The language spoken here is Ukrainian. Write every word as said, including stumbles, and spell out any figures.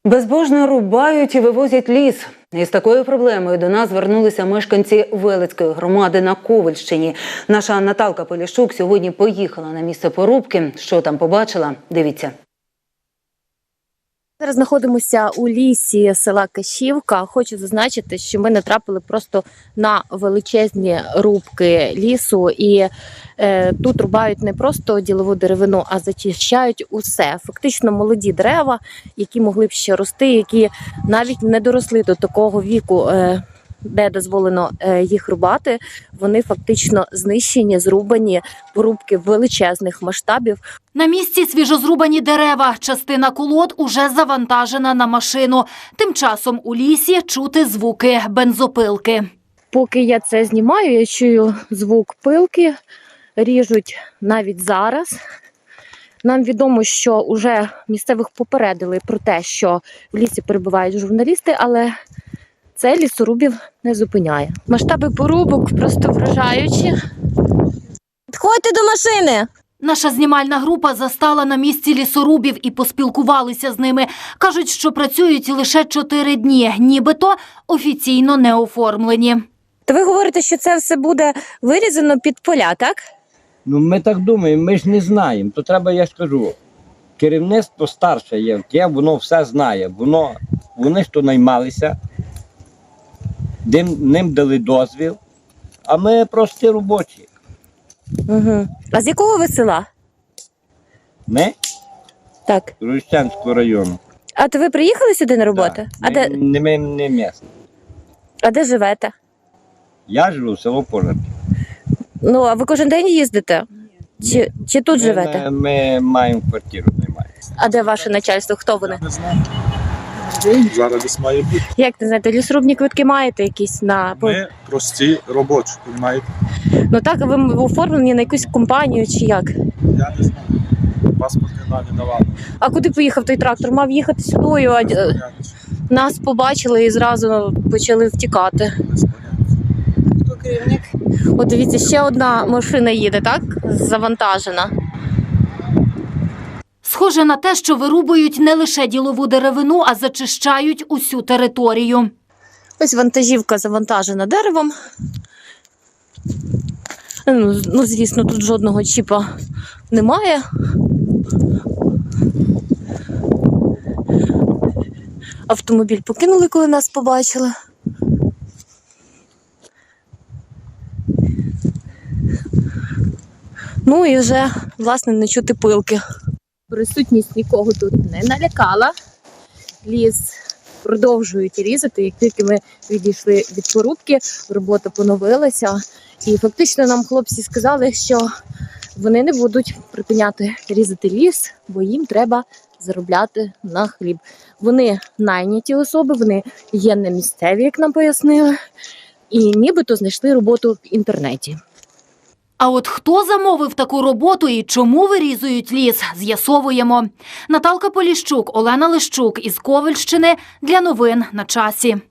Безбожно рубають і вивозять ліс. Із такою проблемою до нас звернулися мешканці Велицької громади на Ковальщині. Наша Наталка Поліщук сьогодні поїхала на місце порубки. Що там побачила? Дивіться. Зараз знаходимося у лісі села Кашівка. Хочу зазначити, що ми натрапили просто на величезні рубки лісу. І е, тут рубають не просто ділову деревину, а зачищають усе. Фактично молоді дерева, які могли б ще рости, які навіть не доросли до такого віку, е, де дозволено їх рубати, вони фактично знищені, зрубані, порубки величезних масштабів. На місці свіжозрубані дерева, частина колод уже завантажена на машину. Тим часом у лісі чути звуки бензопилки. Поки я це знімаю, я чую звук пилки, ріжуть навіть зараз. Нам відомо, що вже місцевих попередили про те, що в лісі перебувають журналісти, але це лісорубів не зупиняє. Масштаби порубок просто вражаючі. Підходьте до машини! Наша знімальна група застала на місці лісорубів і поспілкувалися з ними. Кажуть, що працюють лише чотири дні, нібито офіційно не оформлені. То ви говорите, що це все буде вирізано під поля, так? Ну, ми так думаємо, ми ж не знаємо. То треба, я ж кажу, керівництво старше є, яке воно все знає. Воно, вони ж то наймалися, ним, ним дали дозвіл, а ми прості робочі. Угу. А з якого ви села? Ми? Так. З Рущанського району. А то ви приїхали сюди на роботу? Так. А, Ми, де... не, ми не місце. а де живете? Я живу в село Пожар. Ну, а ви кожен день їздите? Чи, чи тут Ми, живете? Ми, ми маємо квартиру, наймаємо. А де ваше начальство? Хто вони? Не знаю. Зараз десь має бути. Як не знаєте, лісорубні квитки маєте якісь на... Ми прості робочі, розумієте? Ну так, а ви оформлені на якусь компанію чи як? Я не знаю. Паспортні дані давали. А куди поїхав той трактор? Мав їхати сюди, а Без поняття. нас побачили і зразу почали втікати. Без поняття. Хто керівник? От дивіться, ще одна машина їде, так? Завантажена. Схоже на те, що вирубують не лише ділову деревину, а зачищають усю територію. Ось вантажівка завантажена деревом. Ну, ну, звісно, тут жодного чіпа немає. Автомобіль покинули, коли нас побачили. Ну і вже, власне, не чути пилки. Присутність нікого тут не налякала. Ліс продовжують різати. Як тільки ми відійшли від порубки, робота поновилася. І фактично нам хлопці сказали, що вони не будуть припиняти різати ліс, бо їм треба заробляти на хліб. Вони найняті особи, вони є не місцеві, як нам пояснили, і нібито знайшли роботу в інтернеті. А от хто замовив таку роботу і чому вирізують ліс, з'ясовуємо. Наталка Поліщук, Олена Лищук із Ковальщини для новин на часі.